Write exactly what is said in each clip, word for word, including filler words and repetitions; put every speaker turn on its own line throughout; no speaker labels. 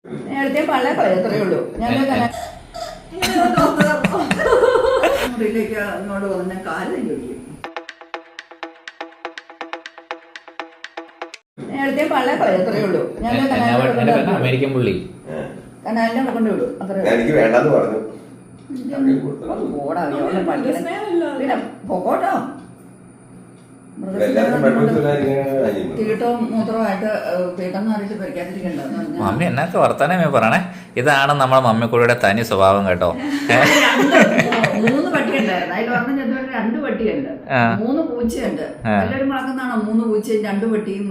നേരത്തെ പള്ളേ കളയത്രേ ഉള്ളൂ. ഞങ്ങൾ മുറിയിലേക്ക് അങ്ങോട്ട് വന്ന കാലം ചോദിക്കും. നേരത്തെ പള്ളേ കളയത്രേ ഉള്ളൂ. ഞങ്ങൾ
അമേരിക്കൻ പുള്ളി
കനാലിനെ കൊണ്ട് വിടും. അത്രേ
എനിക്ക് വേണ്ടെന്ന് പറഞ്ഞു.
പിന്നെ പൊക്കോട്ടോ. തീട്ടവും മൂത്രമായിട്ട് തീട്ടം മാറിയിട്ട് പരിക്കാതിരിക്കണ്ടോ.
മമ്മി എന്നൊക്കെ വർത്താനമേ പറയണേ. ഇതാണ് നമ്മളെ മമ്മിക്കുട്ടിയുടെ തനി സ്വഭാവം കേട്ടോ.
മൂന്ന് പട്ടിയുണ്ടായിരുന്നു. അതിൽ പറഞ്ഞ ചെന്നൊരു രണ്ട് പട്ടിയുണ്ട്, മൂന്ന് പൂച്ചയുണ്ട്. എല്ലാവരും വളർക്കുന്നതാണോ മൂന്ന് പൂച്ചയും രണ്ട് പട്ടിയും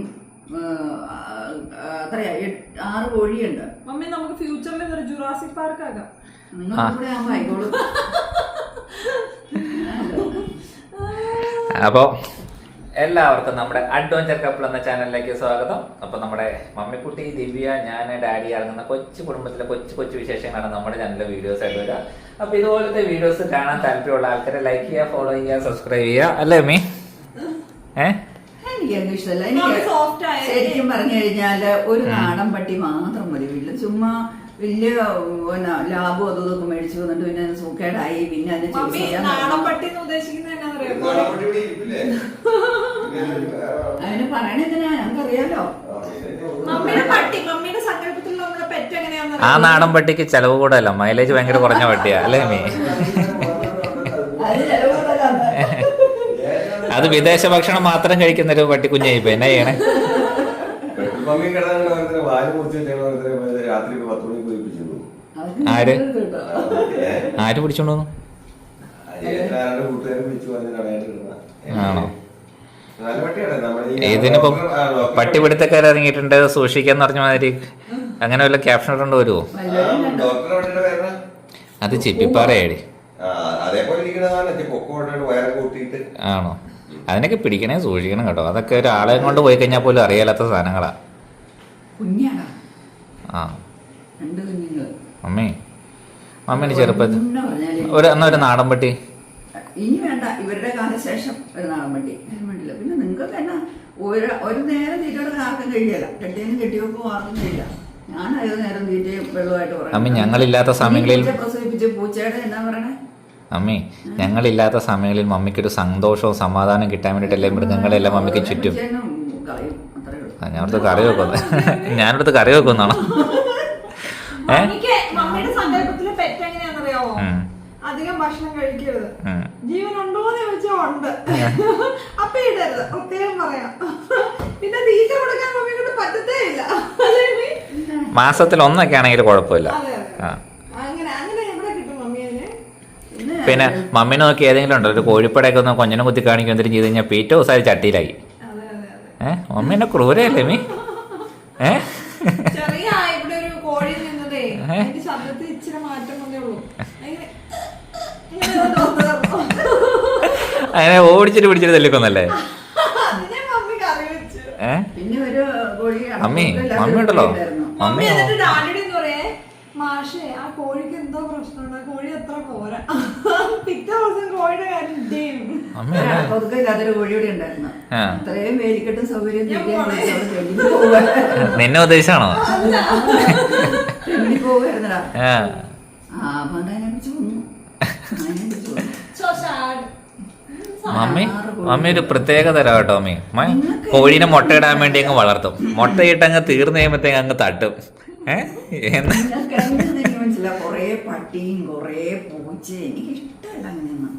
അത്രയാ ആറ് കോഴിയുണ്ട്.
മമ്മി നമുക്ക് ഫ്യൂച്ചറിൽ ജുറാസിക് പാർക്ക് ആകാം.
നിങ്ങൾ കൂടെ ആകുമ്പോ ആയിക്കോളും.
അപ്പോ എല്ലാവർക്കും നമ്മുടെ അഡ്വഞ്ചർ കപ്പിൾ എന്ന ചാനലിലേക്ക് സ്വാഗതം. അപ്പൊ നമ്മുടെ മമ്മിക്കുട്ടി, ദിവ്യ, ഞാൻ, ഡാഡി അടങ്ങുന്ന കൊച്ചു കുടുംബത്തിലെ കൊച്ചു കൊച്ചു വിശേഷങ്ങളാണ് നമ്മുടെ ചാനലിലെ വീഡിയോസ് ആയിട്ട് വരിക. അപ്പൊ ഇതുപോലത്തെ വീഡിയോസ് കാണാൻ താല്പര്യമുള്ള ആൾക്കാരെ ലൈക്ക് ചെയ്യുക, ഫോളോ ചെയ്യുക, സബ്സ്ക്രൈബ് ചെയ്യുക. അല്ലേ മീ? ഏഹ്
എനിക്കൊന്നും ഇഷ്ടമല്ല. എനിക്ക് ശരിക്കും പറഞ്ഞു കഴിഞ്ഞാല് ഒരു നാടൻ പട്ടി മാത്രം മതി വീട്ടില്. ചുമ്മാ വലിയ പിന്നെ ലാഭം അതും ഇതൊക്കെ മേടിച്ചു വന്നിട്ട് പിന്നെ സൂക്കേടായി പിന്നെ അതിനെ അതിന് പറയണെന്തിനാ ഞങ്ങൾക്കറിയാലോ.
ആ നാടൻ പട്ടിക്ക് ചെലവ് കൂടല്ല, മൈലേജ് ഭയങ്കര കുറഞ്ഞ പട്ടിയാ. അല്ലേ മീ? അത് വിദേശ ഭക്ഷണം മാത്രം കഴിക്കുന്ന ഒരു പട്ടി കുഞ്ഞായിപ്പോ എന്നാ ചെയ്യണേ? ആര് ആര് പിടിച്ചോണ്ട് വന്നു? ആണോ? ഇതിനിപ്പം പട്ടിപിടുത്തക്കാർ ഇറങ്ങിയിട്ടുണ്ട് സൂക്ഷിക്കാന്ന് പറഞ്ഞ മാതിരി അങ്ങനെ വല്ല ക്യാപ്ഷൻ ഇടേണ്ടി വരുമോ? അത് ചിപ്പിപ്പാറയാടി. ആണോ? അതിനൊക്കെ പിടിക്കണേ സൂക്ഷിക്കണം കേട്ടോ. അതൊക്കെ ഒരാളെ കൊണ്ട് പോയി കഴിഞ്ഞാൽ പോലും അറിയാത്ത സാധനങ്ങളാ. ആ മമ്മി മമ്മീന് ചെറുപ്പത്തിൽ ഒരു എന്നാ ഒരു നാടൻ പട്ടി
ഇനി വേണ്ട. ഇവരുടെ കാലശേഷം ഒരു നാടൻ പട്ടി വേണ്ടില്ല. പിന്നെ നിങ്ങൾക്ക് തന്നെ ഒരു ഒരു നേരം തീറ്റയുടെ ആർക്കും കഴിയല. കെട്ടിയും കെട്ടിയൊക്കെ ആർക്കും കഴിയില്ല. ഞാൻ ഏത് നേരം തീറ്റയും വെള്ളമായിട്ട് പറയാം.
അമ്മി ഞങ്ങളില്ലാത്ത സമയങ്ങളിൽ
പ്രസവിപ്പിച്ച് പൂച്ചയുടെ എന്നാ പറയണേ
അമ്മി ഞങ്ങളില്ലാത്ത സമയങ്ങളിൽ മമ്മിക്കൊരു സന്തോഷവും സമാധാനം കിട്ടാൻ വേണ്ടിട്ടല്ലേ മൃഗങ്ങളെല്ലാം മമ്മിക്ക് ചുറ്റും. ഞാനടുത്ത് കറി വെക്കുന്നു ഞാനടുത്ത് കറി വെക്കുന്നാണോ?
മമ്മിയുടെ സങ്കല്പത്തിലെ പെറ്റ് എങ്ങനെയാണെന്നറിയാവോ? അധികം ഭക്ഷണം കഴിക്കരുത്. ജീവനുണ്ടോന്ന് ചോദിച്ചാൽ ഉണ്ട്. അപ്പൊ ഇടരുത്, പ്രത്യേകം പറയാം. പിന്നെ തീറ്റ കൊടുക്കാൻ മമ്മി കൊണ്ട് പറ്റത്തേ ഇല്ല.
മാസത്തിൽ ഒന്നൊക്കെ ആണെങ്കിൽ കുഴപ്പമില്ല. പിന്നെ മമ്മീനെ നോക്കി ഏതെങ്കിലും ഉണ്ടോ ഒരു കോഴിപ്പടയൊക്കെ ഒന്ന് കൊഞ്ഞനെ കുത്തി കാണിക്കും എന്തെങ്കിലും ചെയ്ത് കഴിഞ്ഞാൽ പീറ്റ ദിവസം ചട്ടിയിലായി. ഏഹ് മമ്മി എന്നെ ക്രൂരല്ലേ മീ? ഏഹ് അങ്ങനെ ഓടിച്ചിട്ട് പിടിച്ചിട്ട് തല്ലിക്കൊന്നല്ലേ? ഏഹ് മമ്മി മമ്മി ഉണ്ടല്ലോ മമ്മി
മാഷേ ആ കോഴിക്ക് എന്തോ പ്രശ്നമുണ്ട്, ആ കോഴി എത്ര പോരാ. പിറ്റേ ദിവസം കോഴിയുടെ കാര്യം
ഒതുക്കില്ലാത്തൊരു കോഴിയുടെ ഉണ്ടായിരുന്നു. അത്രയും വേലിക്കെട്ടും സൗകര്യം
നിന്നെ ഉദ്ദേശിച്ചാണോ?
പോവായിരുന്നടാ.
മമ്മി മമ്മി ഒരു പ്രത്യേക തരം കേട്ടോ. മമ്മി കോഴീനെ മുട്ടയിടാൻ വേണ്ടി അങ്ങ് വളർത്തും. മുട്ടയിട്ട് അങ്ങ് തീർന്നു കഴിയുമ്പോഴത്തേക്ക് അങ്ങ് തട്ടും.
മനസ്സിലാ കൊറേ പട്ടിയും കൊറേ പൂച്ച എനിക്ക് ഇഷ്ടമല്ല അങ്ങനെയൊന്നും.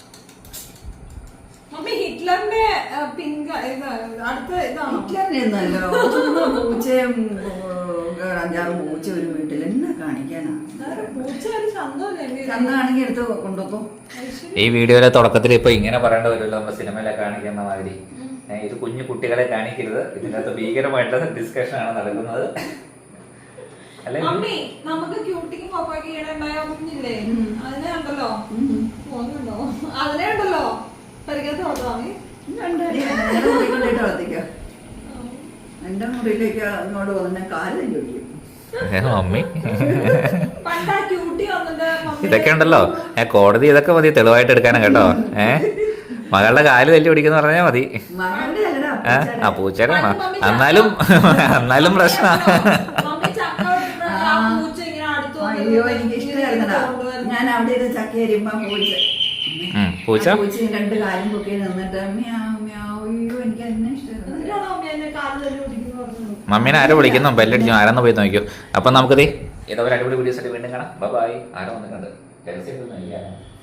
ഹിറ്റ്ലറിന്റെ പിങ്ക്
ഹിറ്റ്ലറിനെയൊന്നുമല്ലോ. പൂച്ചയും അഞ്ചാറ് പൂച്ച ഒരു വീട്ടിൽ എന്നാ കാണിക്കാനാ? ചന്താണെങ്കിൽ എടുത്ത് കൊണ്ടുപോകും.
ഈ വീഡിയോയിലെ തുടക്കത്തിൽ ഇപ്പൊ ഇങ്ങനെ പറയേണ്ട വരുമല്ലോ, നമ്മൾ സിനിമയിലെ കാണിക്കുന്ന മാതിരി. ഇത് കുഞ്ഞു കുട്ടികളെ കാണിക്കരുത്. ഇതിനകത്ത് ഭീകരമായിട്ടുള്ള ഡിസ്കഷൻ ആണ് നടക്കുന്നത്.
മമ്മി നമുക്ക് ക്യൂട്ടിക്കും പപ്പായ്ക്ക് ഈടുണ്ടായ കുഞ്ഞില്ലേ, അതിനെ ഉണ്ടല്ലോ പോകുന്നുണ്ടോ? അതിനെ ഉണ്ടല്ലോ പരിഗണന വളർത്താമി.
വളർത്തിക്കോ. എന്റെ മുറിയിലേക്ക് അങ്ങോട്ട് വന്ന കാലം ചോദിക്കും.
മമ്മി ഇതൊക്കെ ഉണ്ടല്ലോ കോടതി ഇതൊക്കെ മതി തെളിവായിട്ട് എടുക്കാനാ കേട്ടോ. ഏഹ് മകളുടെ കാല് തല്ലി പിടിക്കുന്ന പറഞ്ഞാൽ മതി. ആ പൂച്ചേരാണോ? എന്നാലും എന്നാലും പ്രശ്ന
അയ്യോ എനിക്ക് ഇഷ്ടമായിരുന്നടാ. ഞാൻ അവിടെ ഇരുന്ന് ചക്ക അരിയുമ്പോ പൂച്ച
ഉം, പൂച്ച
പൂച്ച രണ്ട് കാലും പൊക്കി നിന്നിട്ട് മ്യാവ് മ്യാവ്. അയ്യോ എനിക്ക് എന്നെ ഇഷ്ടമായിരുന്നു.
എന്നിട്ടാണോ അമ്മ എന്നെ കാല് തല്ലി പിടിക്കുന്നു പറഞ്ഞത്?
മമ്മീനെ ആരോ വിളിക്കുന്നു, ബെല്ലടിച്ചു, ആരെന്ന് പോയി നോക്കിയോ. അപ്പൊ നമുക്ക് ഇതേ ഇതേപോലെ അടിപൊളി വീഡിയോസ് ആയിട്ട് വീണ്ടും കാണാം. ബൈ. ആരോ വന്നിട്ടുണ്ട്.